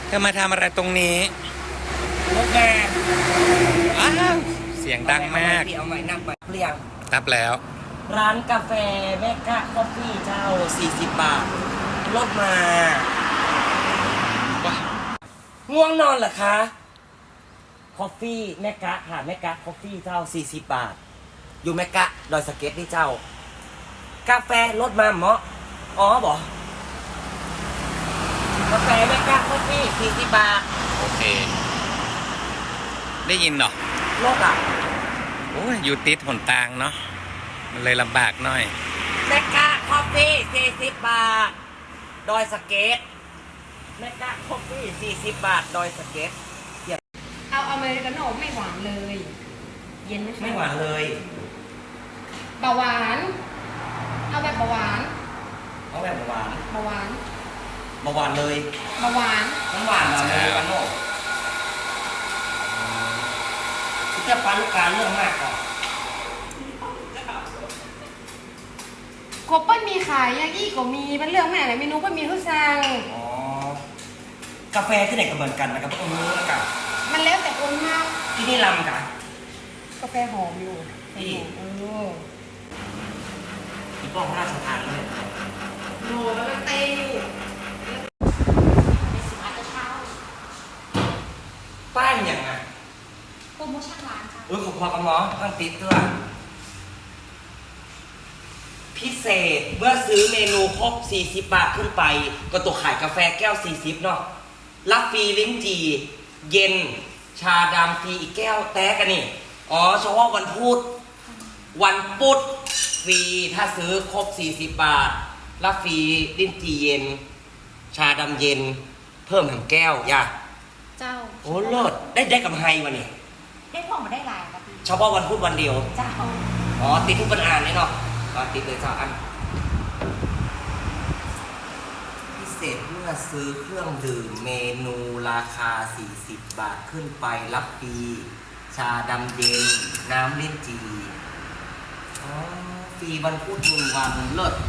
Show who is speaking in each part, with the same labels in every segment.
Speaker 1: เธอมาทำอะไรตรงนี้
Speaker 2: รถแม่
Speaker 1: อ้าวเสียงดังมาก
Speaker 2: เอาใหม่นับไปเรียง
Speaker 1: นับแล้ว
Speaker 2: ร้านกาแฟแมกกะคอฟฟี่เจ้า40 บาทลดมาง่วงนอนเหรอคะคอฟฟี่แมกกะค่ะแมกกะคอฟฟี่เจ้า40 บาทอยู่แมกกะดอยสะเก็ตนี่เจ้ากาแฟลดมาเหมาะอ๋อบอกกาแฟแมกกะคอฟฟี่40 บาท
Speaker 1: โอเคได้ยินเนาะ
Speaker 2: ลดอ่ะ
Speaker 1: โอ้ยอยู่ติดหนทางเนาะมันเลยลำบากหน่อย
Speaker 2: แมกกะคอฟฟี่40 บาทดอยสะเก็ตแมกกะคอฟฟี่40 บาทดอยสะเก็ต
Speaker 3: เอาอเมริกาโน่ไม่หวานเลย เย็น
Speaker 2: ไม่หวานเลย
Speaker 3: เบาหวานเอาแบบเบาหวาน
Speaker 2: เอาแบบหวาน
Speaker 3: เบาหวาน
Speaker 2: เบาหวานเลย
Speaker 3: เบาหวาน
Speaker 2: น้ำหวานอเมริกาโน่จะปันการเรื่องมากก่อน
Speaker 3: กบเปิ้ลมีขายยากี้ก็มีเป็นเรื่องแม่ไหนเมนูก็มีทุกสั่ง
Speaker 2: อ๋อกาแฟที่ไหนก็เหมือนกันนะครับพวกนี้กับ
Speaker 3: มันแล้วแต่คนมาก
Speaker 2: ที่นี่ลำกัน
Speaker 3: กาแฟหอมอยู่
Speaker 2: ที่ที่ป้องราชทานเลย
Speaker 3: โน่แล้วมันเต้อยู่
Speaker 2: ป้ายอย่างไง
Speaker 3: โปรโมชั่นร้านค่ะ
Speaker 2: ขอบคุณครับหมอตั้งติดตัวพิเศษเมื่อซื้อเมนูครบ40 บาทขึ้นไปก็ตัวขายกาแฟแก้ว40เนาะรับฟรีลิ้นจี่เย็นชาดำฟรีอีกแก้วแต้กันนี่อ๋อเฉพาะวันพุธฟรีถ้าซื้อครบ40 บาทรับฟรีลิ้นจี่เย็นชาดำเย็นเพิ่ม1 แก้วย่า
Speaker 3: เจ้า
Speaker 2: โอ้เลิศได้กำไรวะนี่
Speaker 3: ได้พอมาได้หลายครับพี่
Speaker 2: เฉพาะวันพุธวันเดียว
Speaker 3: เจ้า
Speaker 2: อ๋อติดทุกปัญหาเลยเนาะติดเลยจ้าอันพิเศษเมื่อซื้อเครื่องดื่มเมนูราคา40 บาทขึ้นไปรับฟรีชาดำเย็นน้ำลิ้นจี่อ๋อฟรีวันพุธ1 วันเลิศ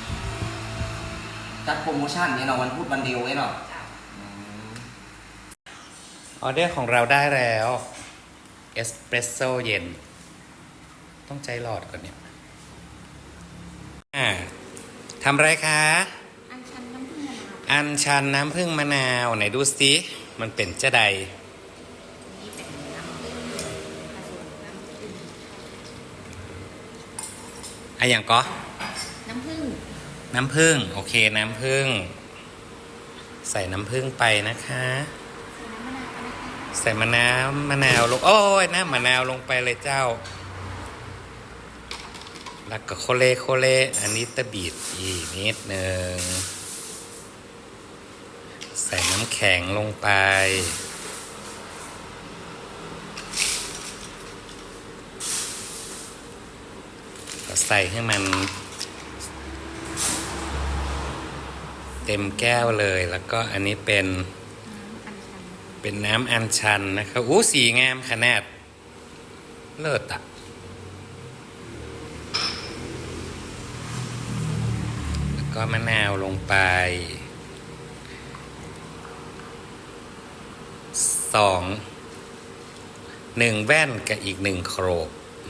Speaker 2: จัดโปรโมชั่นเนี่ยเนาะวันพุธวันเดียวเนาะ
Speaker 1: ออเดอร์ของเราได้แล้วเอสเปรสโซ่เย็นต้องใจหลอดก่อนเนี่ยทำไรคะ
Speaker 3: อัญชันน้ำผึ้งมะนาว
Speaker 1: อัญชันน้ำผึ้งมะนาวไหนดูสิมันเป็นจะใดอะไรอย่างก็
Speaker 3: น้ำผึ้ง
Speaker 1: โอเคน้ำผึ้งใส่น้ำผึ้งไปนะคะใส่มะนาวลงโอ้ยน้ำมะนาวลงไปเลยเจ้าแล้วก็โคเลอันนี้ตะบีดอีกนิดหนึ่งใส่น้ำแข็งลงไปก็ใส่ให้มันเต็มแก้วเลยแล้วก็อันนี้เป็นน้ำอัญชันนะครับอู้สีงามขนาดเลิศอ่ะแล้วก็มะนาวลงไป1 แว่นกับอีก1 โครก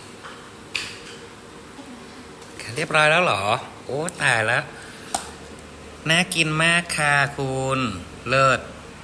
Speaker 1: เรียบร้อยแล้วเหรอโอ้ตายแล้วน่ากินมากค่ะคุณเลิศ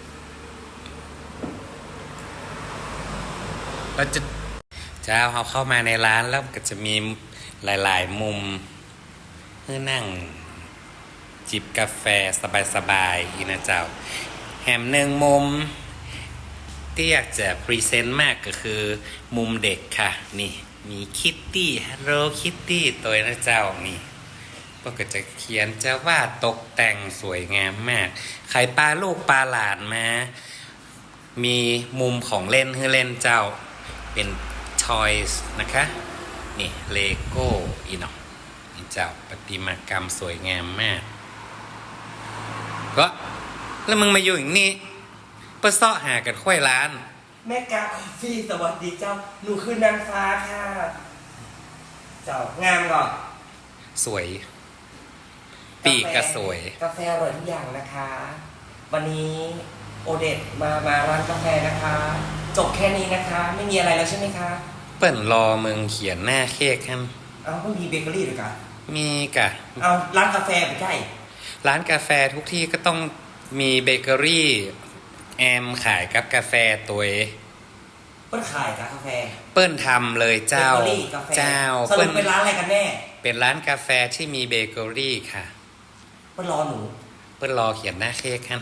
Speaker 1: เราจะเอาเข้ามาในร้านแล้วก็จะมีหลายๆมุมเพื่อนั่งจิบกาแฟสบายๆอีนะเจ้าแหม1 มุมที่อยากจะพรีเซนต์มากก็คือมุมเด็กค่ะนี่มีคิตตี้ฮัลโหลคิตตี้ตัวนะเจ้านี่ก็จะเขียนจะวาดตกแต่งสวยงามมากใครปลาลูกปลาหลานมามีมุมของเล่นให้เล่นเจ้าเป็นทอยส์นะคะนี่เลโก้อีเนาะนี่เจ้าประติมากรรมสวยงามมากก็แล้วมึงมาอยู่อย่างนี้เพื่อเสาะหากันค่อยร้าน
Speaker 2: แม่กาคอฟฟี่สวัสดีเจ้าหนูคือนางฟ้าค่ะเจ้างามก่อน
Speaker 1: สวยปีกก็สวย
Speaker 2: กาแฟอร่อยทุกอย่างนะคะวันนี้โอเดตมาร้านกาแฟนะคะ จบแค่นี้นะคะ ไม่มีอะไรแล้วใช่ไหมคะ
Speaker 1: เปิ้นรอมึงเขียนหน้าเค้กครับ
Speaker 2: เอาก็มีเบเกอรี่ด้วยกัน
Speaker 1: มีกะ
Speaker 2: เอาร้านกาแฟไปใกล้
Speaker 1: ร้านกาแฟทุกที่ก็ต้องมีเบเกอรี่แอมขายกับกาแฟตัวเอง
Speaker 2: เปิ้ลขายกาแฟ
Speaker 1: เปิ้นทำเลยเจ้า
Speaker 2: เบเกอรี่กาแฟ
Speaker 1: เจ้า
Speaker 2: สรุปเป็นร้านอะไรกันแน่
Speaker 1: เป็นร้านกาแฟที่มีเบเกอรี่ค่ะ
Speaker 2: เปิ้ลรอหนู
Speaker 1: เปิ้นรอเขียนหน้าเค้กครับ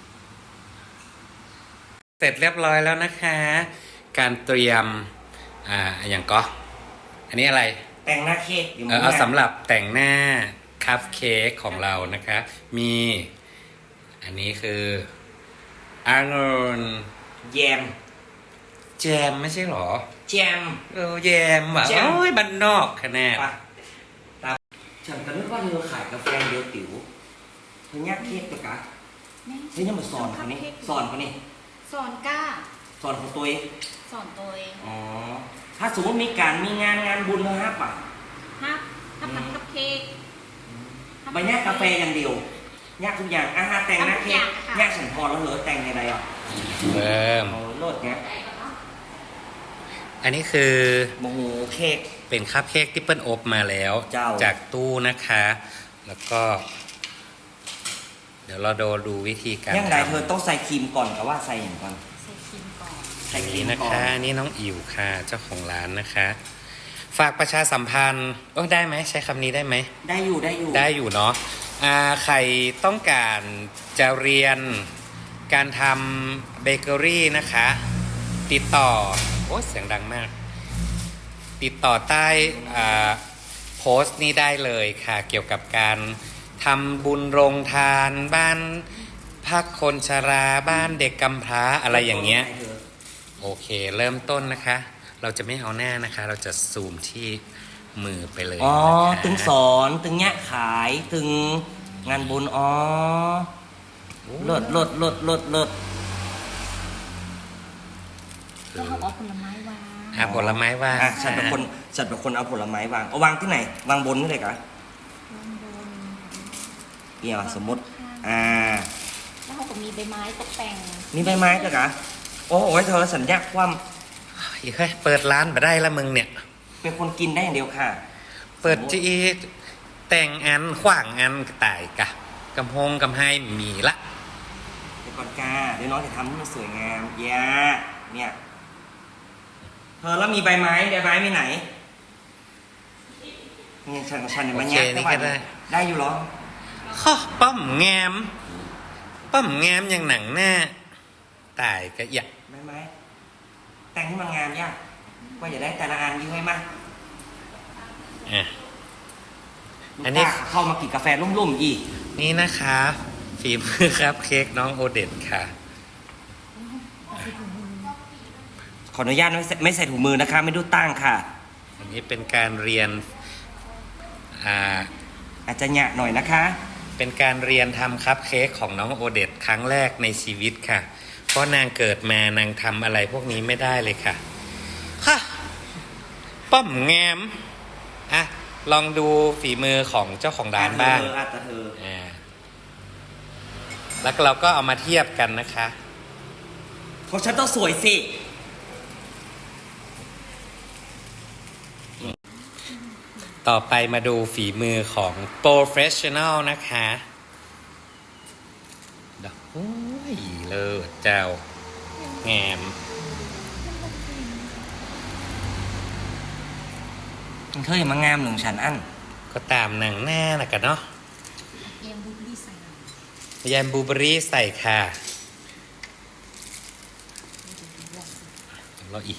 Speaker 1: เสร็จเรียบร้อยแล้วนะคะ การเตรียมอย่างก็ อันนี้อะไร
Speaker 2: แต่งหน้าเค้กอยู่
Speaker 1: เอาสำหรับแต่งหน้าคัพเค้กของเรานะคะ มีอันนี้คือองุ่น
Speaker 2: แยม
Speaker 1: แจมไม่ใช่หรอ
Speaker 2: แจม
Speaker 1: แยมว่ะ
Speaker 2: แจม
Speaker 1: โอ้ยบ้านนอกคะแนน
Speaker 2: ไปตามฉันก็นึกว่าเธอขายกาแฟเดียวติ๋วเธอแยกเค้กตัวกะเฮ้ยยังมาสอนคนนี้สอนคนนี้
Speaker 3: สอนก้า
Speaker 2: สอนของตัวเอง
Speaker 3: สอนตัวเอง
Speaker 2: อ๋อถ้าสมมติมีการมีงานบุญเธอฮับอ่ะ
Speaker 3: ฮับทำคัพเค้ก
Speaker 2: ไปแยกกาแฟอย่างเดียวแยกทุกอย่างอาหารแต่งหน้าเค้กแยกฉันพอแล้วเหรอแต่งในใดอ่ะ
Speaker 1: เริ่ม
Speaker 2: โอ้โลดเนี้ย
Speaker 1: อันนี้คือ
Speaker 2: โมโหเค้ก
Speaker 1: เป็นคัพเค้กที่เปิ้ลอบมาแล้ว
Speaker 2: เจ้า
Speaker 1: จากตู้นะคะ แล้วก็ เดี๋ยวเราดูวิธีการ
Speaker 2: ยังไงเธอ
Speaker 1: ทำ
Speaker 2: ต้องใส่ครีมก่อนกับว่าใส่อย่างก่อน
Speaker 3: ใส่ครีมก่อน
Speaker 2: ใส่
Speaker 1: อัน
Speaker 2: ครี
Speaker 1: นี้
Speaker 2: ม
Speaker 1: นะ
Speaker 2: ก่อ
Speaker 1: คะ
Speaker 2: น
Speaker 1: นี่น้องอิ๋วค่ะ เจ้าของร้านนะคะ ฝากประชาสัมพันธ์ได้ไหมใช้คำนี้ได้ไหม
Speaker 2: ได้อยู่
Speaker 1: ได้อยู่เนาะใครต้องการจะเรียนการทำเบเกอรี่นะคะ ติดต่อโอ้เสียงดังมาก ติดต่อใต้โพสต์นี้ได้เลยค่ะ เกี่ยวกับการทำบุญโรงทานบ้านพักคนชราบ้านเด็กกำพร้าอะไรอย่างเงี้ย โอเค เริ่มต้นนะคะ เราจะไม่เอาหน้านะคะ เราจะซูมที่มือไปเลย
Speaker 2: อ๋อ
Speaker 1: นะคะ
Speaker 2: ตึงสอนตึงเนี้ยขายตึงงานบุญอ๋อเลิศ
Speaker 3: แล้วเขาเอาผลไม้วาง
Speaker 1: ผลไม้ว่าง
Speaker 2: อ่ะฉันเป็นคนเอาผลไม้วางเอาวางที่ไหน วางบนนี่เลยกะ
Speaker 3: วางบน
Speaker 2: เนี่ยสมมติ อ่า
Speaker 3: แล้วเขาก็มีใบไม้ตกแต่ง
Speaker 2: นี่ใบไม้ก็กะโอ้โหเธอสัญญาความ
Speaker 1: เฮ้ยเปิดร้านมาได้ละมึงเนี่ย
Speaker 2: เป็นคนกินได้อย่างเดียวค่ะ
Speaker 1: เปิดจีแต่งอันขว้างอันกระต่ายกะกำพงกำไฮมีละ
Speaker 2: เดี๋ยวก่อนกาเดี๋ยวน้องจะทำให้มันสวยงามอย่าเนี่ยเธอแล้วมีใบไม้มีไหนนี่ฉันเนี่ยมันแยก
Speaker 1: นี่ก็ได้
Speaker 2: ได้อยู่เหรอ
Speaker 1: ข้อป้อมแงมอย่างหนังหน้าตายกะอยะ
Speaker 2: ใบไม้แต่งให้มันงามยากก็อย่าได้แต่ละอันยิ่งให้มาก
Speaker 1: อ่ะ อันนี้
Speaker 2: ลูกค้าเข้ามากินกาแฟรุ่มๆอีก
Speaker 1: นี่นะคะฝีมือครับเค้กน้องโอเดตค่ะ
Speaker 2: ขออนุญาตไม่ใส่ถุงมือนะคะ ไม่ดูตั้งค่ะ
Speaker 1: อันนี้เป็นการเรียน
Speaker 2: อาจจะหยะหน่อยนะคะ
Speaker 1: เป็นการเรียนทำคัพเค้กของน้องโอเดตครั้งแรกในชีวิตค่ะ เพราะนางเกิดมานางทำอะไรพวกนี้ไม่ได้เลยค่ะ ค่ะ ป้อมแงมอ่ะลองดูฝีมือของเจ้าของร้านบ้าง
Speaker 2: อาจจะเธอ
Speaker 1: แล้วเราก็เอามาเทียบกันนะคะ
Speaker 2: เพราะฉันต้องสวยสิ
Speaker 1: ต่อไปมาดูฝีมือของ Professional นะคะโอ้ยเลิศเจ้าแงม
Speaker 2: เธออย่ามางามหนึ่งฉันอัน
Speaker 1: ก็ตามหนังหน้านะกันเนาะ
Speaker 3: เอ็มบูเบอรี่ใส่หน่อย
Speaker 1: ยามบลูเบอรี่ใส่ค่ะรออีก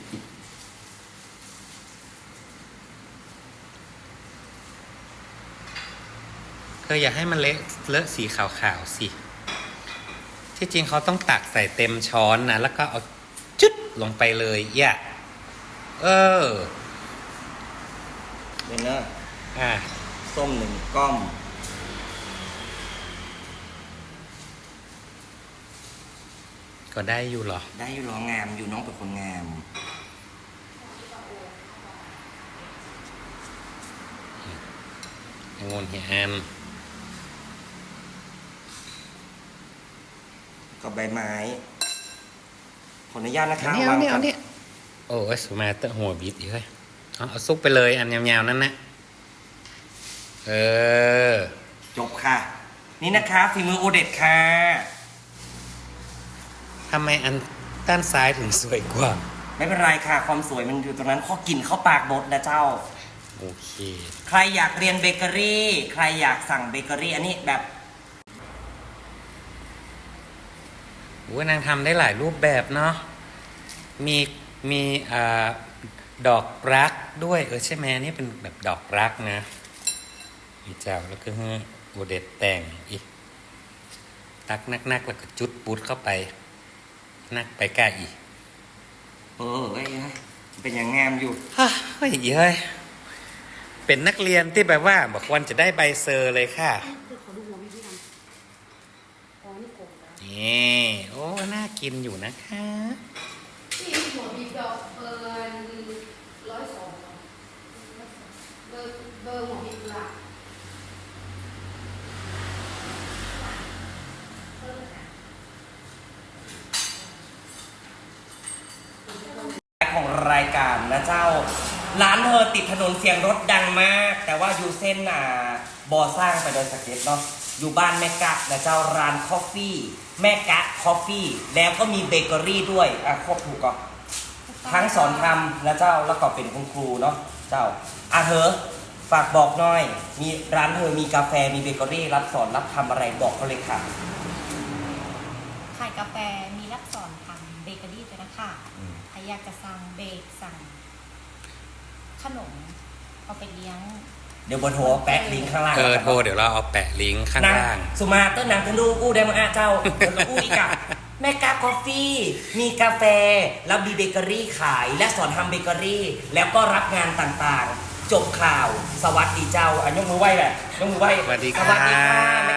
Speaker 1: เธออย่าให้มันเลอะสีขาวๆสิ ที่จริงเขาต้องตักใส่เต็มช้อนนะ แล้วก็เอาจุดลงไปเลยอย่า
Speaker 2: เบนเนอร์
Speaker 1: อ่ะ
Speaker 2: ส้ม1 ก้อม
Speaker 1: ก็ได้อยู่หรอ
Speaker 2: ได้อยู่หรองามอยู่น้องเป็นคนงาม
Speaker 1: งนเฮียอัน
Speaker 2: ก็กับใบไม้ ขออนุญาตนะคะ
Speaker 1: เอาเนี่ยเอาเนี่ยโอ้ยสมาเตอร์หัวบิดอีกเลยเอาซุปไปเลยอันยาวๆนั่นนะ
Speaker 2: จบค่ะ นี่นะคะฝีมือโอเด็ดค่ะ
Speaker 1: ทำไมอันด้านซ้ายถึงสวยกว่า
Speaker 2: ไม่เป็นไรค่ะ ความสวยมันอยู่ตรงนั้นข้อกินเข้าปากบดนะเจ้า
Speaker 1: โอเค
Speaker 2: ใครอยากเรียนเบเกอรี่ ใครอยากสั่งเบเกอรี่ อันนี้แบบ
Speaker 1: นางทำได้หลายรูปแบบเนาะมีดอกรักด้วยใช่ไหมนี่เป็นแบบดอกรักนะมีเจ้าแล้วก็ให้โอเด็ดแต่งอีกตักนักแล้วก็จุดปุ๊ดเข้าไปนักไปกล้าอีก
Speaker 2: เอ้ยเป็นอย่างงามอยู่
Speaker 1: เฮ้ยเฮ้ยเป็นนักเรียนที่แบบว่าบอกวันจะได้ใบเซอร์เลยค่ะ
Speaker 3: เดี๋ยวขอดูหัวพี่ทำอ๋อนี่โกงแล้ว
Speaker 1: นี่โอ้น่ากินอยู่นะคะ
Speaker 3: นี่หัวบีบดอกเบอร์102เบอร์หัวบีบหลัก
Speaker 2: ของรายการนะเจ้า ร้านเธอติดถนนเสียงรถดังมาก แต่ว่าอยู่เส้นบ่อสร้างไปโดยสเก็ตเนาะอยู่บ้านแม่กะนะเจ้าร้านคอฟฟี่แม่กะคอฟฟี่แล้วก็มีเบเกอรี่ด้วยครบถูกก็ทั้งสอนทำนะเจ้าแล้วก็เป็นคุณครูเนาะเจ้าเธอฝากบอกหน่อยมีร้านเธอมีกาแฟมีเบเกอรี่รับสอนรับทำอะไรบอกเขาเลยค่ะ
Speaker 4: ขายกาแฟมีรับสอนทำเบเกอรี่ด้วยนะคะใครอยากจะสั่งเบกสั่งขนมเอาไปเลี้ยง
Speaker 2: เดี๋ยวบนโทรแปะลิงก์ข้างล่าง
Speaker 1: โทรเดี๋ยวเราเอาแปะลิงก์ข้างล่าง
Speaker 2: สุมาเตอร์หนังทะลุอู้ได้มาเจ้าแล้วก็อู้อีกอะแม่กาคอฟฟี่มีกาแฟแล้วมีเบเกอรี่ขายและสอนทำเบเกอรี่ แล้วก็รับงานต่างๆ จบข่าวสวัสดีเจ้าอันยกมือไหว้แบบยกมือไหว้
Speaker 1: สวัสดี
Speaker 2: สวัสดีค่ะ
Speaker 1: ค่ะ
Speaker 2: แม่